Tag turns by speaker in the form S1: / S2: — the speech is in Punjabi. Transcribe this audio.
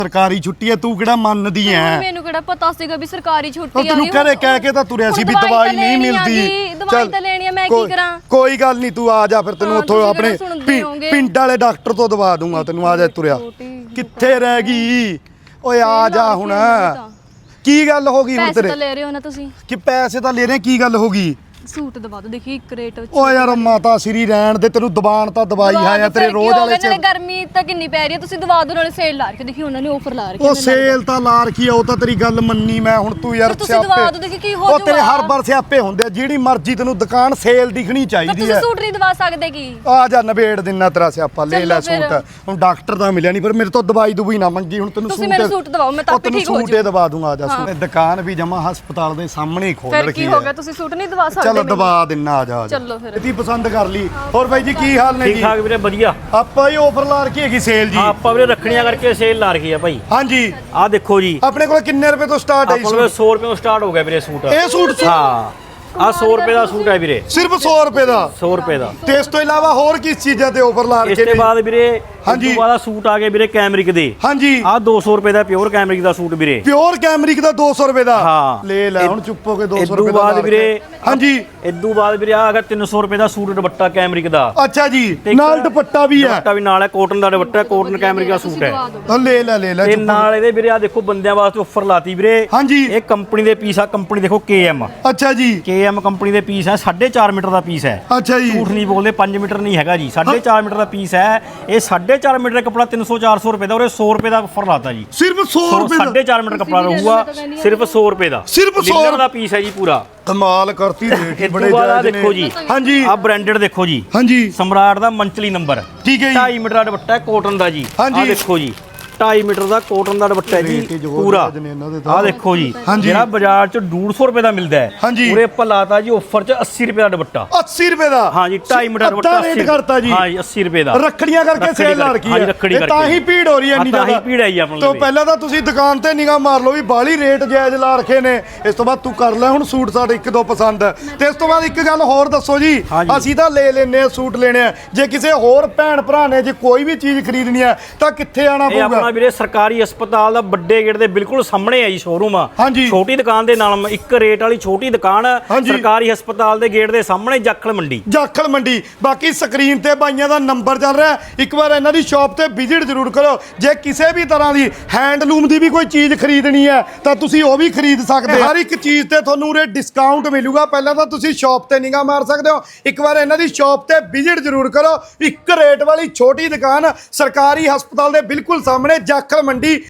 S1: ਸਰਕਾਰੀ ਛੁੱਟੀ ਹੈ, ਤੂੰ ਕਿਹੜਾ ਮੰਨਦੀ ਐ?
S2: ਮੈਨੂੰ ਕਿਹੜਾ ਪਤਾ ਸੀਗਾ ਵੀ ਸਰਕਾਰੀ ਛੁੱਟੀ ਆ।
S1: ਤੈਨੂੰ ਘਰੇ ਕਹਿ ਕੇ ਤਾਂ ਤੁਰਿਆ ਸੀ ਵੀ ਦਵਾਈ ਨਹੀਂ ਮਿਲਦੀ।
S2: ਦਵਾਈ ਤਾਂ ਲੈਣੀ ਆ, ਮੈਂ ਕੀ ਕਰਾਂ?
S1: ਕੋਈ ਗੱਲ ਨਹੀਂ, ਤੂੰ ਆ ਜਾ ਫਿਰ ਤੈਨੂੰ ਉੱਥੋਂ ਆਪਣੇ ਪਿੰਡ ਵਾਲੇ ਡਾਕਟਰ ਤੋਂ ਦਵਾ ਦੂੰਗਾ ਤੈਨੂੰ। ਆ ਜਾ ਤੁਰਿਆ। ਕਿੱਥੇ ਰਹਿ ਗਈ ਓਏ? ਆ ਜਾ ਹੁਣ। ਕੀ ਗੱਲ ਹੋ ਗਈ ਹੁਣ
S2: ਪੈਸੇ
S1: ਤੇਰੇ?
S2: ਤਾਂ ਲੈ ਰਹੇ ਹੋ ਨਾ ਤੁਸੀਂ?
S1: ਕਿ ਪੈਸੇ ਤਾਂ ਲੈ ਰਹੇ, ਕੀ ਗੱਲ ਹੋ ਗਈ?
S2: ਸੂਟ ਦਵਾ ਦੋ, ਦੇਖੀ ਇੱਕ ਰੇਟ ਵਿੱਚ।
S1: ਓ ਯਾਰ ਮਾਤਾ ਸ੍ਰੀ ਰਹਿਣ ਦੇ, ਤੈਨੂੰ ਦਬਾਨ ਤਾਂ ਦਵਾਈ ਹੈ ਤੇਰੇ ਰੋਜ਼ ਵਾਲੇ ਚ।
S2: ਗਰਮੀ ਤਾਂ ਕਿੰਨੀ ਪੈ ਰਹੀ ਹੈ, ਤੁਸੀਂ ਦਵਾ ਦੋ। ਨਾਲੇ ਸੇਲ ਲਾ ਰੱਖੀ, ਦੇਖੀ ਉਹਨਾਂ ਨੇ ਆਫਰ ਲਾ ਰੱਖੀ।
S1: ਉਹ ਸੇਲ ਤਾਂ ਲਾ ਰੱਖੀ ਆ, ਉਹ ਤਾਂ ਤੇਰੀ ਗੱਲ ਮੰਨੀ ਮੈਂ। ਹੁਣ ਤੂੰ ਯਾਰ
S2: ਤੁਸੀਂ ਦਵਾ ਦੋ, ਦੇਖੀ ਕੀ ਹੋ
S1: ਉਹ ਤੇਰੇ ਹਰ ਵਾਰ ਸਿਆਪੇ ਹੁੰਦੇ ਆ। ਜਿਹੜੀ ਮਰਜ਼ੀ ਤੈਨੂੰ ਦੁਕਾਨ ਸੇਲ ਦਿਖਣੀ ਚਾਹੀਦੀ
S2: ਤੁਸੀਂ
S1: ਹੈ।
S2: ਸੂਟ ਨਹੀਂ ਦਵਾ ਸਕਦੇ ਕੀ?
S1: ਆ ਜਾ ਨਵੇੜ ਦਿਨਾ ਤੇਰਾ ਸਿਆਪਾ, ਲੈ ਲੈ ਸੂਟ। ਹੁਣ ਡਾਕਟਰ ਤਾਂ ਮਿਲਿਆ ਨਹੀਂ, ਪਰ ਮੇਰੇ ਤੋਂ ਦਵਾਈ ਦੁਬਈ ਨਾ ਮੰਗੀ। ਹੁਣ ਤੈਨੂੰ
S2: ਤੁਸੀਂ ਮੈਨੂੰ ਸੂਟ ਦਵਾਓ, ਮੈਂ ਤਾਂ ਆਪੇ ਠੀਕ ਹੋ
S1: ਜਾਊਂ। ਸੂਟ ਦਵਾ ਦੂੰਗਾ। ਆ ਜਾ ਸੂਟ। ਦੁਕਾਨ ਵੀ ਜਮਾ ਹਸਪਤਾਲ ਦੇ ਸਾਹਮਣੇ ਹੀ ਖੋਲ ਰੱਖੀ ਹੈ।
S2: ਫਿਰ ਕੀ ਹੋ ਗਿਆ? ਤੁਸੀਂ ਸੂਟ ਨਹੀਂ ਦਵਾ ਸਕਦੇ?
S1: ਚਲੋ ਦਵਾ ਦਿੰਨਾ। ਆ ਜਾ
S2: ਚਲੋ ਫਿਰ।
S1: ਇਤੀ ਪਸੰਦ ਕਰ ਲਈ। ਹੋਰ ਬਾਈ ਜੀ ਕੀ ਹਾਲ ਨੇ ਜੀ?
S3: ਠੀਕ ਠਾਕ ਵੀਰੇ, ਵਧੀਆ।
S1: ਆਪਾਂ ਹੀ ਆਫਰ ਲਾ ਰੱਖੀ ਹੈਗੀ ਸੇਲ ਜੀ।
S3: ਆਪਾਂ ਵੀਰੇ ਰੱਖੜੀਆਂ ਕਰਕੇ ਸੇਲ ਲਾ ਰੱਖੀ ਆ ਭਾਈ।
S1: ਹਾਂਜੀ
S3: ਆਹ ਦੇਖੋ ਜੀ,
S1: ਆਪਣੇ ਕੋਲ ਕਿੰਨੇ ਰੁਪਏ ਤੋਂ ਸਟਾਰਟ ਹੈ ਜੀ
S3: ਆਪਾਂ ਕੋਲ 100 ਰੁਪਏ ਤੋਂ ਸਟਾਰਟ ਹੋ ਗਿਆ ਵੀਰੇ ਸੂਟ।
S1: ਇਹ ਸੂਟ?
S3: ਹਾਂ, ਆਹ 100 ਰੁਪਏ ਦਾ ਸੂਟ ਹੈ ਵੀਰੇ।
S1: ਸਿਰਫ 100 ਰੁਪਏ ਦਾ?
S3: 100 ਰੁਪਏ ਦਾ।
S1: ਤੇ ਇਸ ਤੋਂ ਇਲਾਵਾ ਹੋਰ ਕਿਸ ਚੀਜ਼ਾਂ ਤੇ ਆਫਰ ਲਾ
S3: ਇਸ
S1: ਰੱਖੇ
S3: ਤੋਂ
S1: ਨੇ?
S3: ਬਾਅਦ ਵੀਰੇ
S1: ਹਾਂਜੀ।
S3: ਇਸ ਤੋਂ ਬਾਅਦ ਸੂਟ ਆ ਗਏ ਵੀਰੇ ਕੈਮਰਿਕ ਦੇ।
S1: ਹਾਂਜੀ।
S3: ਆਹ 200 ਰੁਪਏ ਦਾ ਪਿਓਰ ਕੈਮਰਿਕ ਦਾ ਸੂਟ ਵੀਰੇ।
S1: ਪਿਓਰ ਕੈਮਰਿਕ ਦਾ 200 ਰੁਪਏ ਦਾ?
S3: ਹਾਂ।
S1: ਲੈ ਲੈ ਹੁਣ ਚੁੱਪ ਹੋ ਕੇ 200 ਰੁਪਏ
S3: ਇਦੋਂ
S1: ਦਾ
S3: ਬਾਅਦ ਵੀਰੇ।
S1: ਹਾਂਜੀ।
S3: ਇਦੋਂ ਬਾਅਦ ਵੀਰੇ ਆ ਅਗਰ 300 ਰੁਪਏ ਦਾ ਸੂਟ ਦੁਪੱਟਾ ਕੈਮਰਿਕ ਦਾ।
S1: ਅੱਛਾ ਜੀ,
S3: ਤੇ ਇੱਕ
S1: ਨਾਲ ਦੁਪੱਟਾ ਵੀ ਹੈ?
S3: ਦੁਪੱਟਾ ਵੀ ਨਾਲ ਹੈ, ਕਾਟਨ ਦਾ ਦੁਪੱਟਾ, ਕਾਟਨ ਕੈਮਰਿਕ ਦਾ ਸੂਟ ਹੈ।
S1: ਲੈ ਲੈ ਲੈ ਲੈ
S3: ਤੇ ਨਾਲ ਇਹਦੇ ਵੀਰੇ ਆ ਦੇਖੋ ਬੰਦਿਆਂ ਵਾਸਤੇ ਆਫਰ ਲਾਤੀ ਵੀਰੇ।
S1: ਹਾਂਜੀ।
S3: ਇਹ ਕੰਪਨੀ ਦੇ ਪੀਸ ਆ, ਕੰਪਨੀ ਦੇਖੋ KM।
S1: ਅੱਛਾ ਜੀ।
S3: KM ਕੰਪਨੀ ਦੇ ਪੀਸ ਹੈ, 4.5 ਮੀਟਰ ਦਾ ਪੀਸ ਹੈ।
S1: ਅੱਛਾ ਜੀ।
S3: ਝੂਠ ਨਹੀਂ ਬੋਲਦੇ, 5 ਮੀਟਰ ਨਹੀਂ ਹੈਗਾ ਜੀ, 4.5 ਮੀਟਰ ਦਾ ਪੀਸ ਹੈ। ਇਹ 4.5 ਮੀਟਰ ਦਾ ਕੱਪੜਾ 300-400 ਰੁਪਏ ਦਾ, ਔਰ 100 ਰੁਪਏ ਦਾ ਆਫਰ ਲਾਤਾ ਜੀ।
S1: ਸਿਰਫ 100 ਰੁਪਏ ਦਾ?
S3: 4.5 ਮੀਟਰ ਕੱਪੜਾ ਰਹੂਗਾ, ਸਿਰਫ 100 ਰੁਪਏ ਦਾ।
S1: ਸਿਰਫ 100
S3: ਲਿਨਨ ਦਾ ਪੀਸ ਹੈ ਜੀ ਪੂਰਾ।
S1: ਕਮਾਲ ਕਰਤੀ ਰੇਟ
S3: ਇਹ
S1: ਬੜੇ
S3: ਬੜਾ
S1: ਜਾਇਜ਼ ਨੇ।
S3: ਦੇਖੋ ਜੀ।
S1: ਹਾਂਜੀ।
S3: ਆਹ ਬ੍ਰਾਂਡਡ ਦੇਖੋ ਜੀ।
S1: ਹਾਂਜੀ।
S3: ਸਮਰਾਟ ਦਾ ਮੰਚਲੀ ਨੰਬਰ।
S1: ਠੀਕ ਹੈ ਜੀ।
S3: 2.5 ਮੀਟਰ ਦਾ ਦੁਪੱਟਾ ਹੈ ਕਾਟਨ ਦਾ ਜੀ।
S1: ਹਾਂਜੀ।
S3: ਆਹ ਦੇਖੋ ਜੀ, 2.5 ਮੀਟਰ ਦਾ ਕਾਟਨ ਦਾ ਦੁਪੱਟਾ ਹੈ ਜੀ ਪੂਰਾ। ਆਹ ਦੇਖੋ ਜੀ, ਜਿਹੜਾ ਬਾਜ਼ਾਰ ਚ 150 ਰੁਪਏ ਦਾ ਮਿਲਦਾ ਹੈ, ਉਰੇ ਆਪਾਂ ਲਾਤਾ ਜੀ ਆਫਰ ਚ 80 ਰੁਪਏ ਦਾ ਦੁਪੱਟਾ।
S1: 80 ਰੁਪਏ ਦਾ?
S3: ਹਾਂ ਜੀ, 2.5 ਮੀਟਰ ਦੁਪੱਟਾ
S1: 80 ਕਰਤਾ ਜੀ।
S3: ਹਾਂ ਜੀ, 80 ਰੁਪਏ ਦਾ।
S1: ਰੱਖੜੀਆਂ ਕਰਕੇ ਸੇਲ ਲਾ ਰੱਖੀ ਹੈ। ਤਾਂ ਹੀ ਭੀੜ ਹੋ ਰਹੀ ਹੈ ਇੰਨੀ
S3: ਤਾਂ
S1: ਜ਼ਿਆਦਾ।
S3: ਹੀ ਭੀੜ ਆਈ ਆਪਣੇ
S1: ਤੋਂ ਪਹਿਲਾਂ ਤਾਂ ਤੁਸੀਂ ਦੁਕਾਨ ਤੇ ਨਿਗਾਹ ਮਾਰ ਲਓ ਵੀ ਬਾਲੀ ਰੇਟ ਜਾਇਜ਼ ਲਾ ਰੱਖੇ ਨੇ। ਇਸ ਤੋਂ ਬਾਅਦ ਤੂੰ ਕਰ ਲੈ ਹੁਣ ਸੂਟ ਸਾਡੇ ਇੱਕ ਦੋ ਪਸੰਦ। ਤੇ ਇਸ ਤੋਂ ਬਾਅਦ ਇੱਕ ਗੱਲ ਹੋਰ ਦੱਸੋ ਜੀ। ਅਸੀਂ ਤਾਂ ਲੈ ਲੈਨੇ ਆ, ਸੂਟ ਲੈਣੇ ਆ। ਜੇ ਕਿਸੇ ਹੋਰ ਭੈਣ ਭਰਾ ਨੇ ਜੇ ਕੋਈ ਵੀ ਚੀਜ਼ ਖਰੀਦਣੀ ਹੈ ਤਾਂ ਕਿੱਥੇ ਆਣਾ
S3: ਇਹ
S1: ਪਊਗਾ?
S3: ਆਪਣਾ ਵੀਰੇ ਸਰਕਾਰੀ ਹਸਪਤਾਲ ਦਾ ਵੱਡੇ ਗੇਟ ਦੇ ਬਿਲਕੁਲ ਸਾਹਮਣੇ ਹੈ ਜੀ ਸ਼ੋਰੂਮ ਆ। ਛੋਟੀ ਦੁਕਾਨ ਦੇ ਨਾਲ ਇੱਕ ਰੇਟ ਵਾਲੀ ਛੋਟੀ ਦੁਕਾਨ, ਸਰਕਾਰੀ ਹਸਪਤਾਲ ਦੇ ਗੇਟ ਦੇ ਸਾਹਮਣੇ, ਜਾਖਲ ਮੰਡੀ।
S1: ਜਾਖਲ ਮੰਡੀ। ਬਾਕੀ ਸਕਰੀਨ ਤੇ ਬਾਈਆਂ ਦਾ ਨੰਬਰ ਚੱਲ ਰਿਹਾ, ਇੱਕ ਵਾਰ ਇਹਨਾਂ ਦੀ ਸ਼ਾਪ ਤੇ ਵਿਜ਼ਿਟ ਜ਼ਰੂਰ ਕਰੋ। ਜੇ ਕਿਸੇ ਵੀ ਤਰ੍ਹਾਂ ਦੀ ਹੈਂਡਲੂਮ ਦੀ ਵੀ ਕੋਈ ਚੀਜ਼ ਖਰੀਦਣੀ ਹੈ ਤਾਂ ਤੁਸੀਂ ਉਹ ਵੀ ਖਰੀਦ ਸਕਦੇ ਹੋ। ਹਰ ਇੱਕ ਚੀਜ਼ ਤੇ ਤੁਹਾਨੂੰ ਉਰੇ ਡਿਸਕਾਊਂਟ ਮਿਲੂਗਾ। ਪਹਿਲਾਂ ਤਾਂ ਤੁਸੀਂ ਸ਼ਾਪ ਤੇ ਨਿਗਾਹ ਮਾਰ ਸਕਦੇ ਹੋ, ਇੱਕ ਵਾਰ ਇਹਨਾਂ ਦੀ ਸ਼ਾਪ ਤੇ ਵਿਜ਼ਿਟ ਜ਼ਰੂਰ ਕਰੋ। ਇੱਕ ਰੇਟ ਵਾਲੀ ਛੋਟੀ ਦੁਕਾਨ, ਸਰਕਾਰੀ ਹਸਪਤਾਲ ਦੇ ਬਿਲਕੁਲ ਸਾਹਮਣੇ, ਜਾਖਲ ਮੰਡੀ।